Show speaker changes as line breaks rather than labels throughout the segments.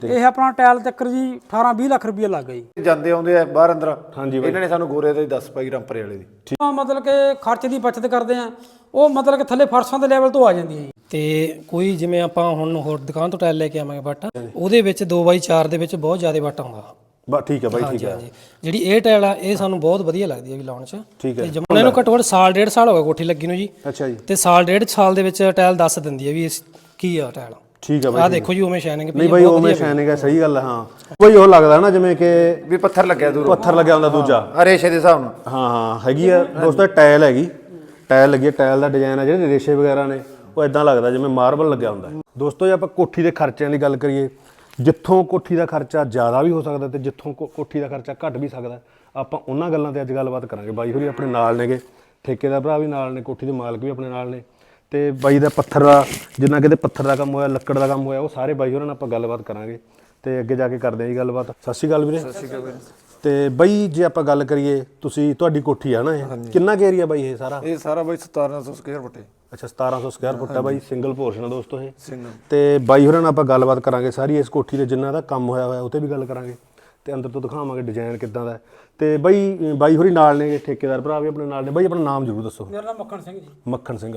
ਇਹ ਆਪਣਾ ਟਾਇਲ ਚੱਕਰ ਜੀ 18-20 ਲੱਖ ਰੁਪਏ ਲੱਗ ਗਈ
ਜਾਂਦੇ ਆਉਂਦੇ ਆ ਬਾਹਰ ਅੰਦਰ।
ਹਾਂਜੀ
ਇਹਨਾਂ ਨੇ ਸਾਨੂੰ ਗੋਰੇ ਦੇ 10 ਪਾਈ ਰਾਮਪਰੇ ਵਾਲੇ ਦੀ
ਮਤਲਬ ਕਿ ਖਰਚ ਦੀ ਬਚਤ ਕਰਦੇ ਆ ਉਹ ਮਤਲਬ ਕਿ ਥੱਲੇ ਫਰਸ਼ਾਂ ਦੇ ਲੈਵਲ ਤੋਂ ਆ ਜਾਂਦੀ ਹੈ ਜੀ।
ਤੇ ਕੋਈ ਜਿਵੇਂ ਆਪਾਂ ਹੁਣ ਹੋਰ ਦੁਕਾਨ ਤੋਂ ਟਾਇਲ ਲੈ ਕੇ ਆਵਾਂਗੇ ਵੱਟ ਉਹਦੇ ਵਿੱਚ 2x4 ਦੇ ਵਿੱਚ ਬਹੁਤ ਜ਼ਿਆਦਾ ਵੱਟ ਆਉਂਦਾ।
ਬਸ ਠੀਕ ਹੈ ਬਾਈ ਠੀਕ ਹੈ।
ਜਿਹੜੀ ਇਹ ਟਾਇਲ ਆ ਇਹ ਸਾਨੂੰ ਬਹੁਤ ਵਧੀਆ ਲੱਗਦੀ ਹੈ ਵੀ ਲਾਉਣ 'ਚ।
ਠੀਕ ਹੈ।
ਤੇ ਜਮੂਨ ਇਹਨੂੰ ਘੱਟੋ ਘੱਟ ਸਾਲ ਡੇਢ ਸਾਲ ਹੋ ਗਿਆ ਕੋਠੀ ਲੱਗੀ ਨੂੰ ਜੀ।
ਅੱਛਾ ਜੀ।
ਤੇ ਸਾਲ ਡੇਢ ਸਾਲ ਦੇ ਵਿੱਚ ਟਾਇਲ ਦੱਸ ਦਿੰਦੀ ਹੈ ਵੀ ਕੀ ਆ ਟਾਇਲ।
ਠੀਕ ਹੈ ਬਾਈ।
ਆਹ ਦੇਖੋ ਜੀ ਉਵੇਂ ਸ਼ਾਈਨਿੰਗ
ਨਹੀਂ ਬਾਈ ਉਵੇਂ ਸ਼ਾਈਨਿੰਗ ਹੈ ਸਹੀ ਗੱਲ ਹੈ। ਹਾਂ ਕੋਈ ਉਹ ਲੱਗਦਾ ਨਾ ਜਿਵੇਂ ਕਿ
ਵੀ ਪੱਥਰ ਲੱਗਿਆ ਦੂਰ
ਪੱਥਰ ਲੱਗਿਆ ਹੁੰਦਾ ਦੂਜਾ
ਰੇਸ਼ੇ ਦੇ ਹਿਸਾਬ ਨਾਲ।
ਹਾਂ ਹਾਂ ਹੈਗੀ ਆ ਦੋਸਤੋ ਟਾਇਲ ਹੈਗੀ। ਟਾਇਲ ਲੱਗੀ ਹੈ। ਟਾਇਲ ਦਾ ਡਿਜ਼ਾਈਨ ਆ ਜਿਹੜੇ ਰੇਸ਼ੇ ਵਗੈਰਾ ਨੇ ਉਹ ਇਦਾਂ ਲੱਗਦਾ ਜਿਵੇਂ ਮਾਰਬਲ ਲੱਗਿਆ ਹੁੰਦਾ। ਦੋਸਤੋ ਜੇ ਆਪਾਂ ਕੋਠੀ ਦੇ ਖਰਚਿਆਂ ਦੀ ਗੱਲ ਕਰੀਏ ਜਿੱਥੋਂ ਕੋਠੀ ਦਾ ਖਰਚਾ ਜ਼ਿਆਦਾ ਵੀ ਹੋ ਸਕਦਾ ਤੇ ਜਿੱਥੋਂ ਕੋਠੀ ਦਾ ਖਰਚਾ ਘੱਟ ਵੀ ਸਕਦਾ ਆਪਾਂ ਉਹਨਾਂ ਗੱਲਾਂ ਤੇ ਅੱਜ ਗੱਲਬਾਤ ਕਰਾਂਗੇ। ਬਾਈ ਹੋਰੀ ਆਪਣੇ ਨਾਲ ਨੇਗੇ, ਠੇਕੇਦਾਰ ਭਰਾ ਵੀ ਨਾਲ ਨੇ, ਕੋਠੀ ਦੇ ਮਾਲਕ ਵੀ ਆਪਣੇ ਨਾਲ ਨੇ ਤੇ ਬਾਈ ਦਾ ਪੱਥਰ ਦਾ ਜਿੰਨਾ ਕਿਤੇ ਪੱਥਰ ਦਾ ਕੰਮ ਹੋਇਆ ਲੱਕੜ ਦਾ ਕੰਮ ਹੋਇਆ ਉਹ ਸਾਰੇ ਬਾਈ ਹੋਰਾਂ ਨਾਲ ਆਪਾਂ ਗੱਲਬਾਤ ਕਰਾਂਗੇ ਤੇ ਅੱਗੇ ਜਾ ਕੇ ਕਰਦੇ ਆਂ ਜੀ ਗੱਲਬਾਤ। ਸਤਿ ਸ਼੍ਰੀ ਅਕਾਲ ਵੀਰੇ।
ਸਤਿ ਸ਼੍ਰੀ ਅਕਾਲ ਵੀਰੇ।
ਤੇ ਬਾਈ ਜੇ ਆਪਾਂ ਗੱਲ ਕਰੀਏ ਤੁਸੀਂ ਤੁਹਾਡੀ ਕੋਠੀ ਆ ਨਾ ਇਹ ਕਿੰਨਾ ਕੁ ਏਰੀਆ ਬਾਈ ਇਹ ਸਾਰਾ?
ਇਹ ਸਾਰਾ ਬਾਈ 1700 ਸਕੁਅਰ ਫੁੱਟ।
ਅੱਛਾ 1700 ਸਕੁਅਰ ਫੁੱਟ ਆ ਬਾਈ। ਸਿੰਗਲ ਪੋਰਸ਼ਨ ਆ ਦੋਸਤੋ ਇਹ।
ਸਿੰਗਲ।
ਤੇ ਬਾਈ ਹੋਰਾਂ ਨਾਲ ਆਪਾਂ ਗੱਲਬਾਤ ਕਰਾਂਗੇ ਸਾਰੀ ਇਸ ਕੋਠੀ ਦੇ ਜਿੰਨਾ ਦਾ ਕੰਮ ਹੋਇਆ ਹੋਇਆ ਉਹ ਤੇ ਵੀ ਗੱਲ ਕਰਾਂਗੇ ਤੇ ਅੰਦਰ ਤੋਂ ਦਿਖਾਵਾਂਗੇ ਡਿਜ਼ਾਈਨ ਕਿੱਦਾਂ ਦਾ। ਤੇ ਬਾਈ ਹੋਰੀ ਨਾਲ ਨੇ, ਠੇਕੇਦਾਰ ਭਰਾ ਵੀ ਆਪਣੇ ਨਾਲ ਨੇ। ਬਾਈ ਆਪਣਾ ਨਾਮ ਜ਼ਰੂਰ ਦੱਸੋ।
ਮੇਰਾ ਨਾਮ ਮੱਖਣ ਸਿੰਘ ਜੀ।
ਮੱਖਣ ਸਿੰਘ।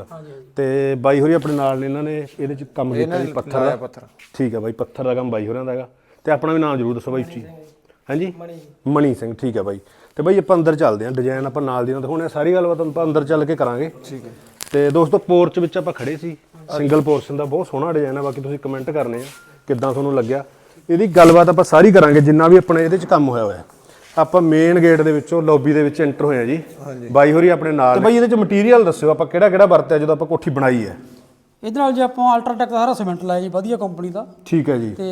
ਤੇ ਬਾਈ ਹੋਰੀ ਆਪਣੇ ਨਾਲ ਨੇ, ਇਹਨਾਂ ਨੇ ਇਹਦੇ ਚ ਕੰਮ ਕੀਤਾ ਜੀ ਪੱਥਰ ਦਾ। ਠੀਕ ਹੈ ਬਾਈ ਪੱਥਰ ਦਾ ਕੰਮ ਬਾਈ ਹੋਰਾਂ ਦਾ ਹੈਗਾ। ਤੇ ਆਪਣਾ ਵੀ ਨਾਮ ਜ਼ਰੂਰ ਦੱਸੋ ਬਾਈ ਜੀ। ਹਾਂਜੀ ਮਣੀ ਸਿੰਘ। ਠੀਕ ਹੈ ਬਾਈ। ਤੇ ਬਾਈ ਆਪਾਂ ਅੰਦਰ ਚੱਲਦੇ ਹਾਂ ਡਿਜ਼ਾਈਨ ਆਪਾਂ ਨਾਲ ਦੀ ਨਾਲ ਦਿਖਾਉਣੇ ਸਾਰੀ ਗੱਲਬਾਤ ਆਪਾਂ ਅੰਦਰ ਚੱਲ ਕੇ ਕਰਾਂਗੇ।
ਠੀਕ ਹੈ।
ਤੇ ਦੋਸਤੋ ਪੋਰਚ ਵਿੱਚ ਆਪਾਂ ਖੜੇ ਸੀ ਸਿੰਗਲ ਪੋਰਸ਼ਨ ਦਾ ਬਹੁਤ ਸੋਹਣਾ ਡਿਜ਼ਾਈਨ ਆ। ਬਾਕੀ ਤੁਸੀਂ ਕਮੈਂਟ ਕਰਨੇ ਆ ਕਿੱਦਾਂ ਤੁਹਾਨੂੰ ਲੱਗਿਆ। ਇਹਦੀ ਗੱਲਬਾਤ ਆਪਾਂ ਸਾਰੀ ਕਰਾਂਗੇ ਜਿੰਨਾ ਵੀ ਆਪਣੇ ਇਹਦੇ ਚ ਕੰਮ ਹੋਇਆ ਹੋਇਆ। ਆਪਾਂ ਮੇਨ ਗੇਟ ਦੇ ਵਿੱਚੋਂ ਲੌਬੀ ਦੇ ਵਿੱਚ ਐਂਟਰ ਹੋਏ ਆ ਜੀ। ਬਾਈ ਹੋਰੀ ਆਪਣੇ ਨਾਲ। ਤੇ ਬਾਈ ਇਹਦੇ ਚ ਮਟੀਰੀਅਲ ਦੱਸਿਓ ਆਪਾਂ ਕਿਹੜਾ ਕਿਹੜਾ ਵਰਤਿਆ ਜਦੋਂ ਆਪਾਂ ਕੋਠੀ ਬਣਾਈ ਹੈ।
ਇਹਦੇ ਨਾਲ ਜੇ ਆਪਾਂ ਅਲਟਰਾਟੈਕ ਦਾ ਸਾਰਾ ਸੀਮੈਂਟ ਲਾਇਆ ਜੀ ਵਧੀਆ ਕੰਪਨੀ ਦਾ।
ਠੀਕ ਹੈ ਜੀ।
ਤੇ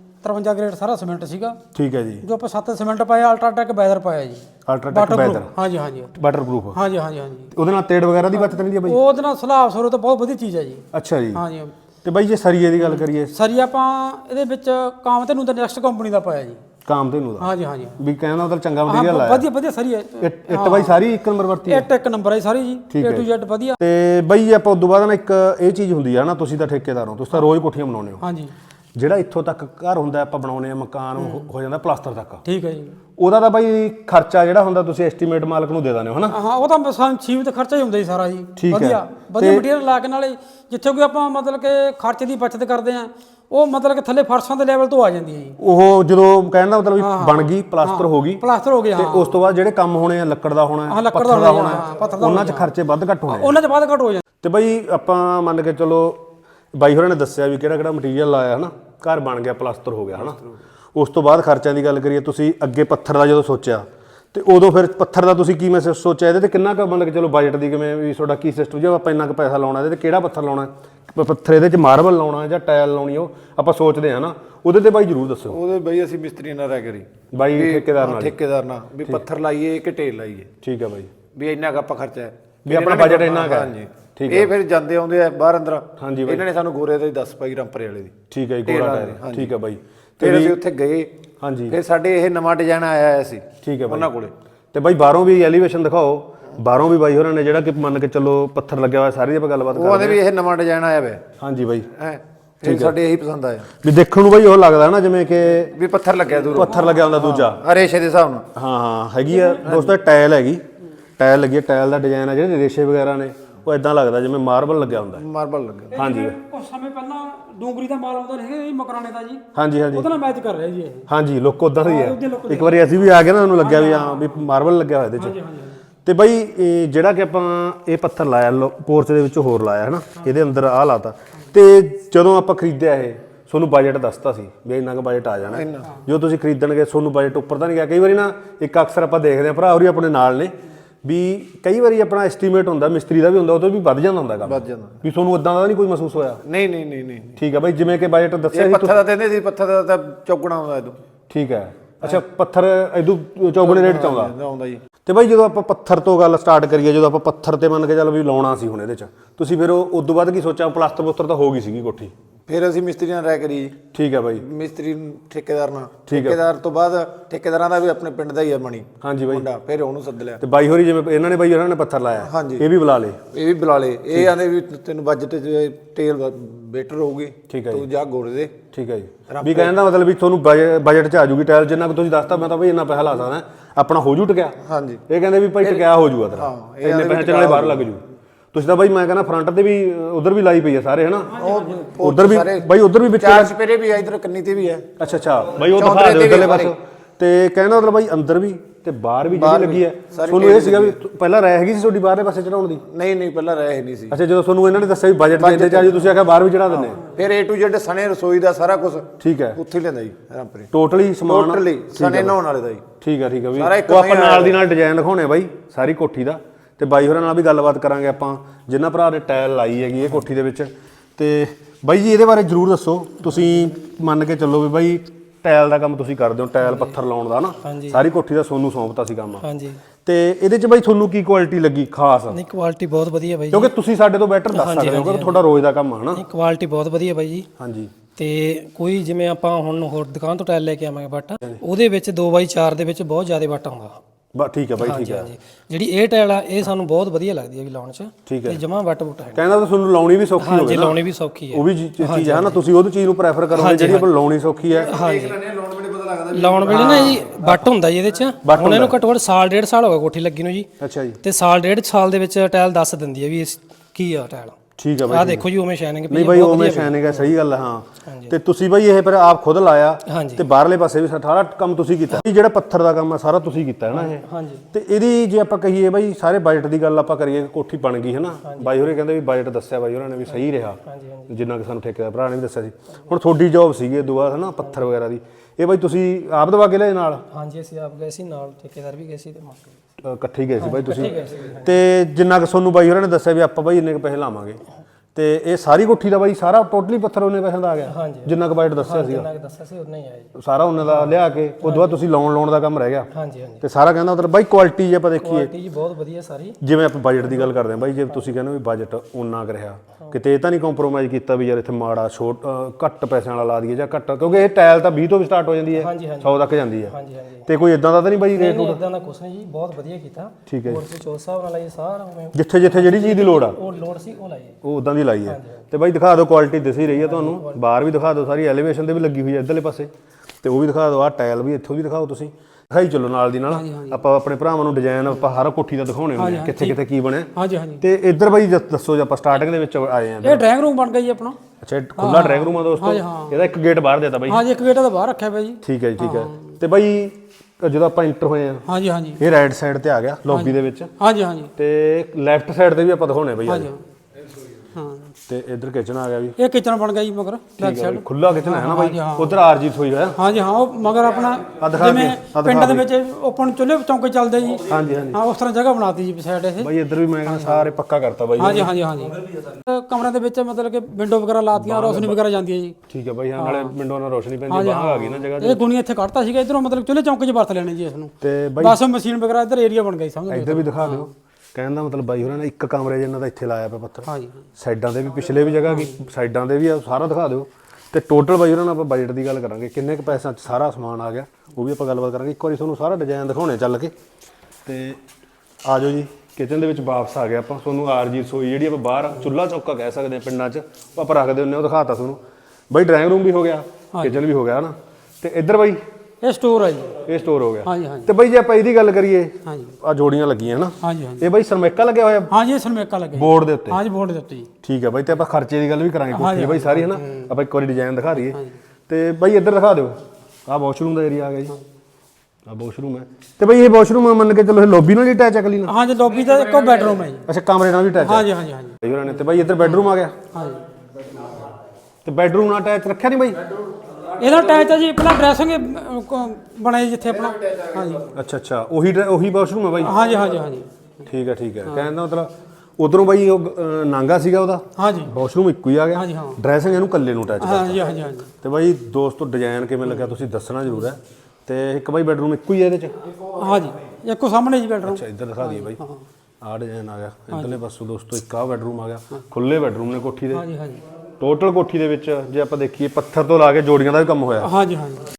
53 ਗ੍ਰੇਡ ਸਾਰਾ ਸੀਮੈਂਟ ਸੀਗਾ।
ਠੀਕ ਹੈ ਜੀ।
ਜੋ ਆਪਾਂ 7 ਸੀਮੈਂਟ ਪਾਇਆ ਅਲਟਰਾਟੈਕ ਬੈਦਰ ਪਾਇਆ ਜੀ।
UltraTech weather.
ਹਾਂਜੀ ਹਾਂਜੀ
ਵਾਟਰਪ੍ਰੂਫ।
ਹਾਂਜੀ ਹਾਂਜੀ ਹਾਂਜੀ।
ਉਹਦੇ ਨਾਲ ਤੇੜ ਵਗੈਰਾ ਦੀ ਬਚਤ ਨਹੀਂ ਦੀ ਬਾਈ?
ਉਹਦੇ ਨਾਲ ਸਲਾਬ ਸੋਰੇ ਤਾਂ ਬਹੁਤ ਵਧੀਆ ਚੀਜ਼ ਹੈ ਜੀ।
ਅੱਛਾ ਜੀ।
ਹਾਂਜੀ।
ਤੇ ਬਾਈ ਜੇ ਸਰੀਏ ਦੀ ਗੱਲ ਕਰੀਏ?
ਸਰੀ ਆਪਾਂ ਇਹਦੇ ਵਿੱਚ ਕਾਮਧੇਨੂ ਦਾ ਨੈਕਸਟ ਕੰਪਨੀ ਦਾ ਪਾਇਆ ਜੀ।
ਕਾਮਧੇਨੂ ਦਾ?
ਹਾਂਜੀ ਹਾਂਜੀ।
ਵੀ ਕਹਿੰਦਾ ਮਤਲਬ ਚੰਗਾ ਮਟੀਰੀਅਲ ਲਾਇਆ।
ਵਧੀਆ ਵਧੀਆ ਸਰੀ ਹੈ।
ਇੱਟ ਬਾਈ ਸਾਰੀ ਇੱਕ ਨੰਬਰ ਵਰਤੀ ਹੈ?
ਇੱਕ ਨੰਬਰ ਹੈ ਸਾਰੀ ਜੀ। A to Z ਵਧੀਆ।
ਤੇ ਬਾਈ ਆਪਾਂ ਉਦੋਂ ਬਾਅਦ ਨਾ ਇੱਕ ਇਹ ਚੀਜ਼ ਹੁੰਦੀ ਆ ਨਾ ਤੁਸੀਂ ਤਾਂ ਠੇਕੇਦਾਰ ਹੋ, ਤੁਸੀਂ ਤਾਂ ਰੋਜ਼ ਕੋਠੀਆਂ ਬਣਾਉਂਦੇ ਹੋ।
ਹਾਂਜੀ।
ਜਿਹੜਾ ਇੱਥੋਂ ਤੱਕ ਘਰ ਹੁੰਦਾ ਆਪਾਂ ਬਣਾਉਣੇ ਆ ਮਕਾਨ ਹੋ ਜਾਂਦਾ ਪਲਾਸਟਰ ਤੱਕ।
ਠੀਕ ਹੈ ਜੀ।
ਉਹਦਾ ਤਾਂ ਬਾਈ ਖਰਚਾ ਜਿਹੜਾ ਹੁੰਦਾ ਤੁਸੀਂ ਐਸਟੀਮੇਟ ਮਾਲਕ ਨੂੰ ਦੇ ਦਿੰਦੇ ਹੋ ਹਨਾ?
ਹਾਂ ਉਹ ਤਾਂ ਸੀਮਿਤ ਖਰਚਾ ਹੀ ਹੁੰਦਾ ਜੀ ਸਾਰਾ ਜੀ।
ਠੀਕ ਹੈ।
ਵਧੀਆ ਵਧੀਆ ਮਟੀਰੀਅਲ ਲਾ ਕੇ ਨਾਲੇ ਜਿੱਥੇ ਕੋਈ ਆਪਾਂ ਮਤਲਬ ਕਿ ਖਰਚ ਦੀ ਬਚਤ ਕਰਦੇ ਆ ਉਹ ਮਤਲਬ ਕਿ ਥੱਲੇ ਫਰਸ਼ਾਂ ਦੇ ਲੈਵਲ ਤੋਂ ਆ ਜਾਂਦੀ ਹੈ ਜੀ।
ਉਹ ਜਦੋਂ ਕਹਿਣ ਦਾ ਮਤਲਬ ਬਣ ਗਈ ਪਲਾਸਟਰ ਹੋ ਗਈ।
ਪਲਾਸਟਰ ਹੋ ਗਿਆ।
ਤੇ ਉਸ ਤੋਂ ਬਾਅਦ ਜਿਹੜੇ ਕੰਮ ਹੋਣੇ ਆ ਲੱਕੜ ਦਾ ਹੋਣਾ ਪੱਥਰ ਦਾ ਹੋਣਾ ਉਹਨਾਂ 'ਚ ਖਰਚੇ ਵੱਧ ਘੱਟ ਹੋਣੇ।
ਉਹਨਾਂ 'ਚ ਵੱਧ ਘੱਟ ਹੋ ਜਾਂਦੇ।
ਤੇ ਬਾਈ ਆਪਾਂ ਮੰਨ ਕੇ ਚਲੋ ਬਾਈ ਹੋਰਾਂ ਨੇ ਦੱਸਿਆ ਵੀ ਕਿਹੜਾ ਕਿਹੜਾ ਮਟੀਰੀਅਲ ਲਾਇਆ ਹਨਾ ਘਰ ਬਣ ਗਿਆ ਪਲਾਸਟਰ ਹੋ ਗਿਆ ਹਨਾ। ਉਸ ਤੋਂ ਬਾਅਦ ਖਰਚਿਆਂ ਦੀ ਗੱਲ ਕਰੀਏ ਤੁਸੀਂ ਅੱਗੇ ਪੱਥਰ ਦਾ ਜਦੋਂ ਸੋਚਿਆ ਤੇ ਉਦੋਂ ਫਿਰ ਪੱਥਰ ਦਾ ਤੁਸੀਂ ਕਿਵੇਂ ਸੋਚਿਆ ਇਹਦੇ ਤੇ ਕਿੰਨਾ ਕੁ ਮੰਨ ਕੇ ਚਲੋ ਬਜਟ ਦੀ ਕਿਵੇਂ ਵੀ ਤੁਹਾਡਾ ਕੀ ਸਿਸਟਮ ਜੇ ਆਪਾਂ ਇੰਨਾ ਕੁ ਪੈਸਾ ਲਾਉਣਾ ਇਹਦੇ ਤੇ ਕਿਹੜਾ ਪੱਥਰ ਲਾਉਣਾ ਪੱਥਰ ਇਹਦੇ 'ਚ ਮਾਰਬਲ ਲਾਉਣਾ ਜਾਂ ਟਾਇਲ ਲਾਉਣੀ ਉਹ ਆਪਾਂ ਸੋਚਦੇ ਹਾਂ ਨਾ ਉਹਦੇ ਤੇ ਬਾਈ ਜ਼ਰੂਰ ਦੱਸੋ।
ਉਹਦੇ ਬਾਈ ਅਸੀਂ ਮਿਸਤਰੀ ਨਾਲ ਰਹਿ ਕਰੀ
ਬਾਈ ਠੇਕੇਦਾਰ ਨਾਲ
ਵੀ ਪੱਥਰ ਲਾਈਏ ਕਿ ਢੇਰ ਲਾਈਏ।
ਠੀਕ ਹੈ ਬਾਈ।
ਵੀ ਇੰਨਾ ਕੁ ਆਪਾਂ ਖਰਚਾ ਹੈ
ਵੀ ਆਪਣਾ ਬਜਟ ਇੰਨਾ ਕੁ ਹੈ।
ਹਾਂਜੀ ਠੀਕ ਹੈ। ਇਹ ਫਿਰ ਜਾਂਦੇ ਆਉਂਦੇ ਆ ਬਾਹਰ ਅੰਦਰ।
ਹਾਂਜੀ
ਇਹਨਾਂ ਨੇ ਸਾਨੂੰ ਗੋਰੇ ਦੇ 10 ਪਾਈ ਰਾਮਪਰੇ ਵਾਲੇ ਦੀ।
ਠੀਕ ਹੈ ਜੀ। ਗੋਰਾ ਟਾਇਰ। ਠੀਕ ਹੈ ਬਾਈ।
ਫਿਰ ਅਸੀਂ ਉੱਥੇ ਗਏ।
ਹਾਂਜੀ।
ਫਿਰ ਸਾਡੇ ਇਹ ਨਵਾਂ ਡਿਜ਼ਾਈਨ ਆਇਆ ਸੀ।
ਠੀਕ ਹੈ ਬਾਈ
ਉਹਨਾਂ ਕੋਲੇ। ਤੇ
ਬਾਈ ਬਾਹਰੋਂ ਵੀ ਐਲੀਵੇਸ਼ਨ ਦਿਖਾਓ। ਬਾਹਰੋਂ ਵੀ ਬਾਈ ਹੋਰਾਂ ਨੇ ਜਿਹੜਾ ਕਿ ਮੰਨ ਕੇ ਚੱਲੋ ਪੱਥਰ ਲੱਗਿਆ ਹੋਇਆ ਸਾਰੀ ਆਪਾਂ ਗੱਲਬਾਤ
ਕਰਦੇ। ਉਹਦੇ ਵੀ ਇਹ ਨਵਾਂ ਡਿਜ਼ਾਈਨ ਆਇਆ ਵੇ।
ਹਾਂਜੀ ਬਾਈ।
ਫਿਰ ਸਾਡੇ ਇਹੀ ਪਸੰਦ ਆਇਆ
ਵੀ ਦੇਖਣ ਨੂੰ ਬਾਈ ਉਹ ਲੱਗਦਾ ਨਾ ਜਿਵੇਂ ਕਿ
ਵੀ ਪੱਥਰ ਲੱਗਿਆ ਦੂਰ।
ਪੱਥਰ ਲੱਗਿਆ ਹੁੰਦਾ ਦੂਜਾ
ਰੇਸ਼ੇ ਦੇ ਹਿਸਾਬ ਨਾਲ।
ਹਾਂ ਹਾਂ ਹੈਗੀ ਆ ਦੋਸਤੋ ਟਾਇਲ ਹੈਗੀ। ਟਾਇਲ ਲੱਗੀ। ਟਾਇਲ ਦਾ ਡਿਜ਼ਾਈਨ ਆ ਜਿਹੜੇ ਰੇਸ਼ੇ ਵਗੈਰਾ ਨੇ ਉਹ ਇਦਾਂ ਲੱਗਦਾ ਜਿਵੇਂ ਮਾਰਬਲ ਲੱਗਿਆ ਹੁੰਦਾ।
ਮਾਰਬਲ ਲੱਗਿਆ।
ਹਾਂਜੀ।
ਕੁਝ ਸਮੇਂ ਪਹਿਲਾਂ ਡੋਂਗਰੀ ਦਾ ਮਾਲ ਆਉਂਦਾ ਰਿਹਾ ਜੀ ਮਕਰਾਣੇ ਦਾ ਜੀ।
ਹਾਂਜੀ ਹਾਂਜੀ।
ਉਹਦੇ ਨਾਲ ਮੈਚ ਕਰ ਰਿਹਾ ਜੀ ਇਹ।
ਹਾਂਜੀ ਲੁੱਕ ਉਦਾਂ ਦੀ ਹੈ। ਇੱਕ ਵਾਰੀ ਅਸੀਂ ਵੀ ਆ ਗਏ ਨਾ ਉਹਨੂੰ ਲੱਗਿਆ ਵੀ ਹਾਂ ਵੀ ਮਾਰਬਲ ਲੱਗਿਆ ਹੋਇਆ ਇਹਦੇ 'ਚ। ਤੇ ਬਾਈ ਜਿਹੜਾ ਕਿ ਆਪਾਂ ਇਹ ਪੱਥਰ ਲਾਇਆ ਪੋਰਚ ਦੇ ਵਿੱਚ ਹੋਰ ਲਾਇਆ ਹੈ ਨਾ ਇਹਦੇ ਅੰਦਰ ਆਹ ਲਾਤਾ ਤੇ ਜਦੋਂ ਆਪਾਂ ਖਰੀਦਿਆ ਇਹ ਤੁਹਾਨੂੰ ਬਜਟ ਦੱਸਤਾ ਸੀ ਵੀ ਇੰਨਾ ਕੁ ਬਜਟ ਆ ਜਾਣਾ। ਜਦੋਂ ਤੁਸੀਂ ਖਰੀਦਣਗੇ ਤੁਹਾਨੂੰ ਬਜਟ ਉੱਪਰ ਤਾਂ ਨਹੀਂ ਗਿਆ? ਕਈ ਵਾਰੀ ਨਾ ਇੱਕ ਅਕਸਰ ਆਪਾਂ ਦੇਖਦੇ ਹਾਂ ਭਰਾ ਹੋਰੀ ਆਪਣੇ ਨਾਲ ਨੇ ਵੀ ਕਈ ਵਾਰੀ ਆਪਣਾ ਐਸਟੀਮੇਟ ਹੁੰਦਾ ਮਿਸਤਰੀ ਦਾ ਵੀ ਹੁੰਦਾ ਉਹ ਤੋਂ ਵੀ ਵੱਧ ਜਾਂਦਾ ਹੁੰਦਾ ਕੰਮ।
ਵੱਧ ਜਾਂਦਾ
ਵੀ ਤੁਹਾਨੂੰ ਇਦਾਂ ਦਾ ਨਹੀਂ ਕੋਈ ਮਹਿਸੂਸ ਹੋਇਆ?
ਨਹੀਂ ਨਹੀਂ ਨਹੀਂ ਨਹੀਂ।
ਠੀਕ ਹੈ ਬਾਈ ਜਿਵੇਂ ਕਿ ਬਜਟ ਦੱਸਿਆ ਸੀ
ਪੱਥਰ ਦਾ ਦਿੰਦੇ ਸੀ। ਪੱਥਰ ਦਾ ਤਾਂ ਚੌਗਣਾ ਆਉਂਦਾ ਇਹਦੋਂ।
ਠੀਕ ਹੈ। ਅੱਛਾ ਪੱਥਰ ਇਦੋਂ ਚੌਗਣੇ ਰੇਟ 'ਚ ਆਉਂਦਾ
ਜੀ।
ਤੇ ਬਾਈ ਜਦੋਂ ਆਪਾਂ ਪੱਥਰ ਤੋਂ ਗੱਲ ਸਟਾਰਟ ਕਰੀਏ ਜਦੋਂ ਆਪਾਂ ਪੱਥਰ ਤੇ ਮੰਨ ਕੇ ਚੱਲ ਵੀ ਲਾਉਣਾ ਸੀ ਹੁਣ ਇਹਦੇ 'ਚ ਤੁਸੀਂ ਫਿਰ ਉਹ ਉਦੋਂ ਬਾਅਦ ਕੀ ਸੋਚਿਆ? ਪਲਾਸਟਰ ਪੁਸਤਰ ਤਾਂ ਹੋ ਗਈ ਸੀਗੀ ਕੋਠੀ।
ਫਿਰ ਅਸੀਂ ਮਿਸਤਰੀ ਨਾਲ ਰਾਇ ਕਰੀ ਜੀ।
ਠੀਕ ਹੈ ਬਾਈ।
ਮਿਸਤਰੀ ਨੂੰ ਠੇਕੇਦਾਰ ਨਾਲ, ਠੇਕੇਦਾਰ ਤੋਂ ਬਾਅਦ ਠੇਕੇਦਾਰਾਂ ਦਾ ਵੀ ਆਪਣੇ ਪਿੰਡ ਦਾ ਹੀ ਆ ਮਣੀ
ਹਾਂਜੀ ਬਾਈ।
ਮੁੰਡਾ, ਫਿਰ ਉਹਨੂੰ ਸੱਦ ਲਿਆ।
ਤੇ ਬਾਈ ਹੋਰੀ ਜਿਵੇਂ ਇਹਨਾਂ ਨੇ ਬਾਈ ਉਹਨਾਂ ਨੇ ਪੱਥਰ ਲਾਇਆ,
ਹਾਂਜੀ।
ਇਹ ਵੀ ਬੁਲਾ ਲੇ।
ਇਹ ਵੀ ਬੁਲਾ ਲੇ। ਇਹ ਆਂਦੇ ਵੀ ਤੈਨੂੰ ਬਜਟ ਤੇਲ ਬੈਟਰ ਹੋਊਗੀ,
ਠੀਕ ਹੈ
ਤੂੰ ਜਾ ਗੋੜ ਦੇ।
ਠੀਕ ਹੈ ਜੀ। ਵੀ ਕਹਿਣ ਦਾ ਮਤਲਬ ਵੀ ਤੁਹਾਨੂੰ ਬਜਟ 'ਚ ਆ ਜੂਗੀ ਟਾਇਲ, ਜਿੰਨਾ ਕੁ ਤੁਸੀਂ ਦੱਸਤਾ ਮੈਂ ਤਾਂ ਬਈ ਇੰਨਾ ਪੈਸਾ ਲਾ ਸਕਦਾ, ਆਪਣਾ ਹੋ ਜੂ ਟਕਿਆ।
ਹਾਂਜੀ।
ਇਹ ਕਹਿੰਦੇ ਵੀ ਭਾਈ ਟਕਿਆ ਹੋ ਜੂਗਾ ਤੇਰਾ, ਇੰਨੇ ਪੈਸੇ ਚ ਨਾਲੇ ਬਾਹਰ ਲੱਗ ਜੂ। ਤੁਸੀਂ ਤਾਂ ਬਾਈ ਮੈਂ ਕਹਿੰਦਾ ਫਰੰਟ ਤੇ ਵੀ ਉਧਰ ਵੀ ਲਾਈ ਪਈ ਆ ਸਾਰੇ, ਹਨਾ? ਉਧਰ ਵੀ ਬਾਈ, ਉਧਰ ਵੀ ਵਿੱਚ
ਚਾਰ ਸਪੇਰੇ ਵੀ ਆ, ਇਧਰ ਕੰਨੀ ਤੇ ਵੀ ਹੈ।
ਅੱਛਾ ਅੱਛਾ ਬਾਈ, ਉਹ ਦਿਖਾ ਦਿਓ ਉਧਰਲੇ ਪਾਸੇ। ਤੇ ਕਹਿੰਦਾ ਮਤਲਬ ਬਾਈ ਅੰਦਰ ਵੀ ਤੇ ਬਾਹਰ ਵੀ ਜਿਹੜੀ ਲੱਗੀ ਹੈ। ਤੁਹਾਨੂੰ ਇਹ ਸੀਗਾ ਵੀ ਪਹਿਲਾਂ ਰਹਿ ਹੈਗੀ ਸੀ ਤੁਹਾਡੀ ਬਾਹਰਲੇ ਪਾਸੇ ਚੜਾਉਣ ਦੀ?
ਨਹੀਂ ਪਹਿਲਾਂ ਰਹਿ ਨਹੀਂ ਸੀ।
ਅੱਛਾ, ਜਦੋਂ ਤੁਹਾਨੂੰ ਇਹਨਾਂ ਨੇ ਦੱਸਿਆ ਵੀ ਬਜਟ ਦੇ ਇੰਨੇ ਚਾਰਜ, ਤੁਸੀਂ ਆਖਿਆ ਬਾਹਰ ਵੀ ਚੜਾ ਦਿੰਦੇ।
ਫਿਰ A to Z ਸਣੇ ਰਸੋਈ ਦਾ ਸਾਰਾ ਕੁਝ
ਠੀਕ ਹੈ,
ਉੱਥੇ ਲੈਂਦਾ ਜੀ ਰਾਮਪੁਰੇ।
ਟੋਟਲੀ ਸਮਾਨ
ਟੋਟਲੀ ਸਣੇ ਨਹਾਉਣ ਵਾਲੇ ਦਾ ਜੀ।
ਠੀਕ ਹੈ ਵੀ ਉਹ ਆਪਾਂ ਨਾਲ ਦੀ ਨਾਲ ਡਿਜ਼ਾਈਨ ਦਿਖਾਉਣੇ ਬਾਈ ਸਾਰੀ ਕੋਠੀ ਦਾ, ਤੇ ਬਾਈ ਹੋਰਾਂ ਨਾਲ ਵੀ ਗੱਲਬਾਤ ਕਰਾਂਗੇ ਆਪਾਂ, ਜਿਨ੍ਹਾਂ ਭਰਾ ਨੇ ਟਾਇਲ ਲਾਈ ਹੈਗੀ ਇਹ ਕੋਠੀ ਦੇ ਵਿੱਚ। ਤੇ ਬਾਈ ਜੀ ਇਹਦੇ ਬਾਰੇ ਜ਼ਰੂਰ ਦੱਸੋ। ਤੁਸੀਂ ਮੰਨ ਕੇ ਚੱਲੋ ਵੀ ਬਾਈ ਟਾਇਲ ਦਾ ਕੰਮ ਤੁਸੀਂ ਕਰਦੇ ਹੋ, ਟਾਇਲ ਪੱਥਰ ਲਾਉਣ ਦਾ ਨਾ, ਸਾਰੀ ਕੋਠੀ ਦਾ ਸੋਨੂੰ ਸੌਂਪਤਾ ਸੀ ਕੰਮ।
ਹਾਂਜੀ।
ਤੇ ਇਹਦੇ ਚ ਬਾਈ ਤੁਹਾਨੂੰ ਕੀ ਕੁਆਲਿਟੀ ਲੱਗੀ ਖਾਸ?
ਨਹੀਂ, ਕੁਆਲਿਟੀ ਬਹੁਤ ਵਧੀਆ ਬਾਈ ਜੀ।
ਕਿਉਂਕਿ ਤੁਸੀਂ ਸਾਡੇ ਤੋਂ ਬੈਟਰ ਦੱਸ ਸਕਦੇ ਹੋ, ਕਿਉਂਕਿ ਤੁਹਾਡਾ ਰੋਜ਼ ਦਾ ਕੰਮ ਆ, ਹਨਾ?
ਨਹੀਂ, ਕੁਆਲਿਟੀ ਬਹੁਤ ਵਧੀਆ ਬਾਈ ਜੀ।
ਹਾਂਜੀ।
ਤੇ ਕੋਈ ਜਿਵੇਂ ਆਪਾਂ ਹੁਣ ਹੋਰ ਦੁਕਾਨ ਤੋਂ ਟਾਇਲ ਲੈ ਕੇ ਆਵਾਂਗੇ ਵੱਟ, ਉਹਦੇ ਵਿੱਚ 2x4 ਦੇ ਵਿੱਚ ਬਹੁਤ ਜ਼ਿਆਦਾ ਵੱਟ ਆਉਂਦਾ।
ਠੀਕ ਹੈ ਬਾਈ, ਠੀਕ ਹੈ।
ਜਿਹੜੀ ਇਹ ਟਾਇਲ ਆ ਇਹ ਸਾਨੂੰ ਬਹੁਤ ਵਧੀਆ ਲੱਗਦੀ ਹੈ ਵੀ ਲਾਉਣ 'ਚ।
ਠੀਕ ਹੈ।
ਤੇ ਜਮਾਂ ਵੱਟ ਬੂਟਾ ਹੈ।
ਕਹਿੰਦਾ ਤਾਂ ਤੁਹਾਨੂੰ ਲਾਉਣੀ ਵੀ ਸੌਖੀ ਹੋਵੇ ਨਾ?
ਲਾਉਣੀ ਵੀ ਸੌਖੀ ਹੈ।
ਉਹ ਵੀ ਚੀਜ਼ ਹੈ ਨਾ, ਤੁਸੀਂ ਉਹ ਚੀਜ਼ ਨੂੰ ਪ੍ਰੈਫਰ ਕਰੋਗੇ ਜਿਹੜੀ ਆਪਾਂ ਲਾਉਣੀ ਸੌਖੀ ਹੈ।
ਲਾਉਣ ਵੇਲੇ ਨਾ ਜੀ ਵੱਟ ਹੁੰਦਾ ਜੀ ਇਹਦੇ 'ਚ। ਹੁਣ ਇਹਨੂੰ ਘੱਟੋ ਘੱਟ ਸਾਲ ਡੇਢ ਸਾਲ ਹੋ ਗਿਆ ਕੋਠੀ ਲੱਗੀ ਨੂੰ ਜੀ।
ਅੱਛਾ ਜੀ।
ਤੇ ਸਾਲ ਡੇਢ ਸਾਲ ਦੇ ਵਿੱਚ ਟਾਇਲ ਦੱਸ ਦਿੰਦੀ ਹੈ ਵੀ ਕੀ ਆ ਟਾਇਲ।
ਠੀਕ ਹੈ ਬਾਈ।
ਆਹ ਦੇਖੋ ਜੀ ਉਵੇਂ ਸ਼ਾਈਨਿੰਗ
ਨਹੀਂ ਬਾਈ, ਉਵੇਂ ਸ਼ਾਈਨਿੰਗ ਹੈ, ਸਹੀ ਗੱਲ ਹੈ। ਹਾਂ। ਤੇ ਤੁਸੀਂ ਬਾਈ ਇਹ ਫਿਰ ਆਪ ਖੁਦ ਲਾਇਆ ਤੇ ਬਾਹਰਲੇ ਪਾਸੇ ਵੀ ਸਾਰਾ ਕੰਮ ਤੁਸੀਂ ਕੀਤਾ? ਜਿਹੜਾ ਪੱਥਰ ਦਾ ਕੰਮ ਹੈ ਸਾਰਾ ਤੁਸੀਂ ਕੀਤਾ ਹੈ ਨਾ ਇਹ?
ਹਾਂਜੀ।
ਤੇ ਇਹਦੀ ਜੇ ਆਪਾਂ ਕਹੀਏ ਬਾਈ ਸਾਰੇ ਬਜਟ ਦੀ ਗੱਲ ਆਪਾਂ ਕਰੀਏ, ਕੋਠੀ ਬਣ ਗਈ ਹੈ ਨਾ? ਬਾਈ ਹੋਰੇ ਕਹਿੰਦੇ ਵੀ ਬਜਟ ਦੱਸਿਆ ਬਾਈ ਹੋਰਾਂ ਨੇ ਵੀ ਸਹੀ ਰਿਹਾ, ਜਿੰਨਾ ਕਿ ਸਾਨੂੰ ਠੇਕੇਦਾਰ ਭਰਾ ਨੇ ਵੀ ਦੱਸਿਆ ਸੀ। ਹੁਣ ਤੁਹਾਡੀ ਜੌਬ ਸੀਗੀ ਦੁਆ ਹੈ ਨਾ ਪੱਥਰ ਵਗੈਰਾ ਦੀ, ਇਹ ਬਾਈ ਤੁਸੀਂ ਆਪ ਦਵਾ ਕੇ ਲਏ ਨਾਲ?
ਹਾਂਜੀ, ਅਸੀਂ ਆਪ ਗਏ ਸੀ ਨਾਲ, ਠੇਕੇਦਾਰ ਵੀ ਗਏ ਸੀ ਤੇ
ਇਕੱਠੇ ਗਏ ਸੀ ਬਾਈ ਤੁਸੀਂ? ਤੇ ਜਿੰਨਾ ਕਿ ਤੁਹਾਨੂੰ ਬਾਈ ਹੋਰਾਂ ਨੇ ਦੱਸਿਆ ਵੀ ਆਪਾਂ ਬਾਈ ਇੰਨੇ ਕੁ ਪੈਸੇ ਲਾਵਾਂਗੇ, ਤੇ ਇਹ ਸਾਰੀ ਕੋਠੀ ਦਾ ਬਾਈ ਸਾਰਾ ਟੋਟਲੀ ਪੱਥਰ ਉਹਨੇ ਪੈਸੇ ਦਾ ਆ ਗਿਆ? ਜਿੰਨਾ ਕੁ ਬਜਟ ਦੱਸਿਆ ਸੀਗਾ ਸਾਰਾ ਉਹਨਾਂ ਦਾ ਲਿਆ ਕੇ, ਉਦੋਂ ਬਾਅਦ ਤੁਸੀਂ ਲਾਉਣ ਦਾ ਕੰਮ ਰਹਿ ਗਿਆ?
ਹਾਂਜੀ।
ਤੇ ਸਾਰਾ ਕਹਿੰਦਾ ਮਤਲਬ ਬਾਈ ਕੁਆਲਿਟੀ ਜੇ ਆਪਾਂ ਦੇਖੀਏ
ਕੁਆਲਿਟੀ ਜੀ ਬਹੁਤ ਵਧੀਆ ਸਾਰੀ।
ਜਿਵੇਂ ਆਪਾਂ ਬਜਟ ਦੀ ਗੱਲ ਕਰਦੇ ਹਾਂ ਬਾਈ, ਜੇ ਤੁਸੀਂ ਕਹਿੰਦੇ ਵੀ ਬਜਟ ਉਨਾ ਕੁ ਰਿਹਾ, ਕਿਤੇ ਇਹ ਤਾਂ ਨਹੀਂ ਕੰਪਰੋਮਾਈਜ਼ ਕੀਤਾ ਵੀ ਯਾਰ ਇੱਥੇ ਮਾੜਾ ਘੱਟ ਪੈਸਿਆਂ ਵਾਲਾ ਲਾ ਦਈਏ ਜਾਂ ਘੱਟ, ਕਿਉਂਕਿ ਇਹ ਟਾਇਲ ਤਾਂ 20 ਤੋਂ ਵੀ ਸਟਾਰਟ ਹੋ ਜਾਂਦੀ ਹੈ, 100 ਤੱਕ ਜਾਂਦੀ ਹੈ। ਤੇ ਕੋਈ ਇਦਾਂ ਦਾ ਤਾਂ ਨਹੀਂ ਬਾਈ ਰੇਟ?
ਇਦਾਂ ਦਾ ਕੁਛ ਨਹੀਂ ਜੀ, ਬਹੁਤ ਵਧੀਆ ਕੀਤਾ।
ਠੀਕ ਹੈ ਜੀ।
ਚੋਰ ਸਾਹਿਬ ਨਾਲ ਲਾਈ ਸਾਰਾ,
ਜਿੱਥੇ ਜਿੱਥੇ ਜਿਹੜੀ ਚੀਜ਼ ਦੀ ਲੋੜ ਆ
ਉਹ ਲੋੜ ਸੀ ਉਹ ਲਾਈ, ਉਹ
ਉਦਾਂ ਦੀ ਲਾਈ ਹੈ। ਤੇ ਬਾਈ ਦਿਖਾ ਦਿਓ, ਕੁਆਲਿਟੀ ਦਿਸ ਹੀ ਰਹੀ ਹੈ ਤੁਹਾਨੂੰ, ਬਾਹਰ ਵੀ ਦਿਖਾ ਦਿਓ, ਸਾਰੀ ਐਲੀਵੇਸ਼ਨ ਤੇ ਵੀ ਲੱਗੀ ਹੋਈ ਹੈ ਇੱਧਰਲੇ ਪਾਸੇ, ਤੇ ਉਹ ਵੀ ਦਿਖਾ ਦਿਓ, ਆਹ ਟਾਇਲ ਵੀ ਇੱਥੋਂ ਵੀ ਦਿਖਾਓ ਤੁਸੀਂ, ਦਿਖਾਈ ਚੱਲੋ ਨਾਲ ਦੀ ਨਾਲ। ਆਪਾਂ ਆਪਣੇ ਭਰਾਵਾਂ ਨੂੰ ਡਿਜ਼ਾਈਨ ਆਪਾਂ ਹਰ ਕੋਠੀ ਦਾ ਦਿਖਾਉਣੇ ਹੁੰਦੇ ਆ, ਕਿੱਥੇ ਕਿੱਥੇ ਕੀ ਬਣਿਆ।
ਹਾਂਜੀ ਹਾਂਜੀ।
ਤੇ ਇੱਧਰ ਬਾਈ ਦੱਸੋ ਜੇ ਆਪਾਂ ਸਟਾਰਟਿੰਗ ਦੇ ਵਿੱਚ ਆਏ ਆ।
ਇਹ ਡਰਾਇੰਗ ਰੂਮ ਬਣ ਗਿਆ ਜੀ ਆਪਣਾ।
ਅੱਛਾ, ਖੁੱਲਾ ਡਰਾਇੰਗ ਰੂਮ ਆ ਦੋਸਤੋ, ਇਹਦਾ ਇੱਕ ਗੇਟ ਬਾਹਰ ਦੇਤਾ ਬਾਈ?
ਹਾਂਜੀ, ਇੱਕ ਗੇਟ ਦਾ ਬਾਹਰ ਰੱਖਿਆ ਪਿਆ ਜੀ।
ਠੀਕ ਹੈ ਜੀ, ਠੀਕ ਹੈ। ਤੇ ਬਾਈ ਜਦੋਂ ਆਪਾਂ ਇੰਟਰ ਹੋਏ ਆ,
ਹਾਂਜੀ ਹਾਂਜੀ,
ਇਹ ਰਾਈਟ ਸਾਈਡ ਤੇ ਆ ਗਿਆ ਲੌਬੀ ਦੇ ਵਿੱਚ।
ਹਾਂਜੀ ਹਾਂਜੀ।
ਤੇ ਲੈਫਟ ਸਾਈਡ ਤੇ ਵੀ ਆਪਾਂ ਦਿਖਾਉਣੇ ਬਾਈ।
ਹਾਂਜੀ ਹਾਂ।
ਤੇ ਇੱਧਰ ਕਿਚਨ ਆ ਗਿਆ ਵੀ,
ਇਹ ਕਿਚਨ ਬਣ ਗਿਆ ਜੀ ਮਗਰ ਬੈਕ ਸਾਈਡ,
ਖੁੱਲਾ ਕਿਚਨ ਹੈ ਨਾ ਬਾਈ? ਉਧਰ ਆਰਜੀ ਰਸੋਈ ਹੋਇਆ।
ਹਾਂਜੀ ਹਾਂ, ਉਹ ਮਗਰ ਆਪਣਾ ਜਿਵੇਂ ਪਿੰਡਾਂ ਦੇ ਵਿੱਚ ਓਪਨ ਚੁੱਲ੍ਹੇ ਚੌਂਕੇ ਚੱਲਦੇ ਜੀ। ਹਾਂਜੀ ਹਾਂਜੀ, ਹਾਂ ਉਸ ਤਰ੍ਹਾਂ ਜਗ੍ਹਾ ਬਣਾਤੀ ਜੀ ਸਾਈਡ ਇਹ ਬਾਈ।
ਇੱਧਰ ਵੀ ਮੈਂ ਕਹਿੰਦਾ ਸਾਰੇ ਪੱਕਾ ਕਰਤਾ ਬਾਈ।
ਹਾਂਜੀ ਹਾਂਜੀ ਹਾਂਜੀ। ਕਮਰਿਆਂ ਦੇ ਵਿੱਚ ਮਤਲਬ ਕਿ ਵਿੰਡੋ ਵਗੈਰਾ ਲਾਤੀਆਂ, ਰੋਸ਼ਨੀ ਵਗੈਰਾ ਜਾਂਦੀ ਹੈ ਜੀ।
ਠੀਕ ਹੈ ਬਾਈ। ਹਾਂ, ਨਾਲੇ ਵਿੰਡੋ ਨਾਲ ਰੋਸ਼ਨੀ ਪੈਂਦੀ, ਬਾਹਰ ਆ ਗਈ ਨਾ ਜਗ੍ਹਾ।
ਇਹ ਗੁਣੀਆਂ ਇੱਥੇ ਕੱਢਤਾ ਸੀਗਾ, ਇਧਰੋਂ ਮਤਲਬ ਚੁੱਲ੍ਹੇ ਚੌਂਕੇ 'ਚ ਵਰਤ ਲੈਣੇ ਜੀ ਇਸ ਨੂੰ।
ਤੇ ਬਾਈ
ਬਸ ਮਸ਼ੀਨ ਵਗੈਰਾ ਇੱਧਰ ਏਰੀਆ ਬਣ ਗਿਆ ਸਮਝ ਲਓ।
ਇੱਧਰ ਵੀ ਦਿਖਾ ਦਿਓ। ਕਹਿਣ ਦਾ ਮਤਲਬ ਬਾਈ ਹੋਰਾਂ ਨੇ ਇੱਕ ਕਮਰੇ ਜਿੰਨਾ ਦਾ ਇੱਥੇ ਲਾਇਆ ਪਿਆ ਪੱਥਰ।
ਹਾਂਜੀ।
ਸਾਈਡਾਂ ਦੇ ਵੀ, ਪਿਛਲੇ ਵੀ ਜਗ੍ਹਾ ਕੀ ਸਾਈਡਾਂ ਦੇ ਵੀ ਆ, ਸਾਰਾ ਦਿਖਾ ਦਿਓ। ਤੇ ਟੋਟਲ ਬਾਈ ਹੋਰਾਂ ਨਾਲ ਆਪਾਂ ਬਜਟ ਦੀ ਗੱਲ ਕਰਾਂਗੇ, ਕਿੰਨੇ ਕੁ ਪੈਸਿਆਂ 'ਚ ਸਾਰਾ ਸਮਾਨ ਆ ਗਿਆ, ਉਹ ਵੀ ਆਪਾਂ ਗੱਲਬਾਤ ਕਰਾਂਗੇ। ਇੱਕ ਵਾਰੀ ਤੁਹਾਨੂੰ ਸਾਰਾ ਡਿਜ਼ਾਈਨ ਦਿਖਾਉਣੇ ਚੱਲ ਕੇ। ਤੇ ਆ ਜਾਓ ਜੀ, ਕਿਚਨ ਦੇ ਵਿੱਚ ਵਾਪਸ ਆ ਗਿਆ ਆਪਾਂ। ਤੁਹਾਨੂੰ ਆਰਜੀ ਰਸੋਈ ਜਿਹੜੀ ਆਪਾਂ ਬਾਹਰ ਚੁੱਲ੍ਹਾ ਚੌਕਾ ਕਹਿ ਸਕਦੇ ਹਾਂ ਪਿੰਡਾਂ 'ਚ, ਉਹ ਆਪਾਂ ਰੱਖਦੇ ਹੁੰਦੇ, ਉਹ ਦਿਖਾਤਾ ਤੁਹਾਨੂੰ ਬਾਈ। ਡਰਾਇੰਗ ਰੂਮ ਵੀ ਹੋ ਗਿਆ, ਕਿਚਨ ਵੀ ਹੋ ਗਿਆ ਨਾ। ਤੇ ਇੱਧਰ ਬਾਈ
ਇਹ ਸਟੋਰ ਹੈ ਜੀ,
ਇਹ ਸਟੋਰ ਹੋ ਗਿਆ।
ਹਾਂਜੀ ਹਾਂਜੀ।
ਤੇ ਬਾਈ ਜੇ ਆਪਾਂ ਇਹਦੀ ਗੱਲ ਕਰੀਏ,
ਹਾਂਜੀ,
ਆ ਜੋੜੀਆਂ ਲੱਗੀਆਂ ਨਾ।
ਹਾਂਜੀ ਹਾਂਜੀ।
ਇਹ ਬਾਈ ਸਰਮੇਕਾ ਲੱਗਿਆ ਹੋਇਆ?
ਹਾਂਜੀ, ਇਹ ਸਰਮੇਕਾ ਲੱਗਿਆ
ਬੋਰਡ ਦੇ ਉੱਤੇ।
ਹਾਂਜੀ, ਬੋਰਡ ਦੇ ਉੱਤੇ ਜੀ।
ਠੀਕ ਹੈ ਬਾਈ। ਤੇ ਆਪਾਂ ਖਰਚੇ ਦੀ ਗੱਲ ਵੀ ਕਰਾਂਗੇ ਕੋਠੀ ਬਾਈ ਸਾਰੀ, ਹੈ ਨਾ? ਆਪਾਂ ਇੱਕ ਵਾਰੀ ਡਿਜ਼ਾਈਨ ਦਿਖਾ ਦਈਏ। ਤੇ ਬਾਈ ਇੱਧਰ ਦਿਖਾ ਦਿਓ, ਆਹ ਵਾਸ਼ਰੂਮ ਦਾ ਏਰੀਆ ਆ ਗਿਆ ਜੀ, ਆਹ ਵਾਸ਼ਰੂਮ ਹੈ। ਤੇ ਬਾਈ ਇਹ ਵਾਸ਼ਰੂਮ ਮੰਨ ਕੇ ਚਲੋ ਇਹ ਲੌਬੀ ਨਾਲ ਹੀ ਅਟੈਚ ਹੈ ਕਲੀ ਨਾਲ?
ਹਾਂਜੀ, ਲੌਬੀ ਦਾ ਇੱਕੋ ਬੈਡਰੂਮ ਹੈ ਜੀ।
ਅੱਛਾ, ਕਮਰੇ ਨਾਲ ਵੀ ਅਟੈਚ ਹੈ?
ਹਾਂਜੀ ਹਾਂਜੀ ਹਾਂਜੀ।
ਬਾਈ ਹੋਰਾਂ ਨੇ। ਤੇ ਬਾਈ ਇੱਧਰ ਬੈਡਰੂਮ ਆ ਗਿਆ?
ਹਾਂਜੀ।
ਤੇ ਬੈਡਰੂਮ ਨਾਲ ਅਟੈਚ ਰੱਖਿਆ ਨਹੀਂ ਬਾਈ?
ਇਹਦਾ ਅਟੈਚ ਹੈ ਜੀ, ਪਹਿਲਾਂ ਡਰੈਸਿੰਗ ਬਣੇ ਜਿੱਥੇ ਆਪਣਾ। ਹਾਂਜੀ।
ਅੱਛਾ ਅੱਛਾ, ਉਹੀ ਵਾਸ਼ਰੂਮ ਹੈ ਬਾਈ?
ਹਾਂਜੀ ਹਾਂਜੀ ਹਾਂਜੀ।
ਠੀਕ ਹੈ ਠੀਕ ਹੈ। ਕਹਿਣ ਦਾ ਮਤਲਬ ਉਧਰੋਂ ਬਾਈ ਉਹ ਨਾਂਗਾ ਸੀਗਾ ਉਹਦਾ?
ਹਾਂਜੀ।
ਵਾਸ਼ਰੂਮ ਇੱਕੋ ਹੀ ਆ ਗਿਆ?
ਹਾਂਜੀ ਹਾਂ।
ਡਰੈਸਿੰਗ ਇਹਨੂੰ ਇਕੱਲੇ ਨੂੰ ਅਟੈਚ ਕਰਤਾ?
ਹਾਂਜੀ ਹਾਂਜੀ ਹਾਂਜੀ।
ਤੇ ਬਾਈ ਦੋਸਤੋ ਡਿਜ਼ਾਈਨ ਕਿਵੇਂ ਲੱਗਿਆ ਤੁਸੀਂ ਦੱਸਣਾ ਜ਼ਰੂਰ ਹੈ। ਤੇ ਇੱਕ ਬਾਈ ਬੈਡਰੂਮ ਇੱਕੋ ਹੀ ਹੈ ਇਹਦੇ 'ਚ?
ਹਾਂਜੀ, ਇੱਕੋ ਸਾਹਮਣੇ ਜੀ ਬੈਡਰੂਮ।
ਅੱਛਾ, ਇੱਧਰ ਦਿਖਾ ਦਈਏ ਬਾਈ, ਆਹ ਡਿਜ਼ਾਈਨ ਆ ਗਿਆ। ਇੱਧਰਲੇ ਪਾਸੋਂ ਦੋਸਤੋ ਇੱਕ ਆਹ ਬੈਡਰੂਮ ਆ ਗਿਆ। ਖੁੱਲੇ ਬੈਡਰੂਮ ਨੇ ਕੋਠੀ ਦੇ।
ਹਾਂਜੀ ਹਾਂਜੀ।
ਟੋਟਲ ਕੋਠੀ ਦੇ ਵਿੱਚ ਜੇ ਆਪਾਂ ਦੇਖੀਏ ਪੱਥਰ ਤੋਂ ਲਾ ਕੇ ਜੋੜੀਆਂ ਦਾ ਵੀ ਕੰਮ ਹੋਇਆ।
ਹਾਂਜੀ ਹਾਂਜੀ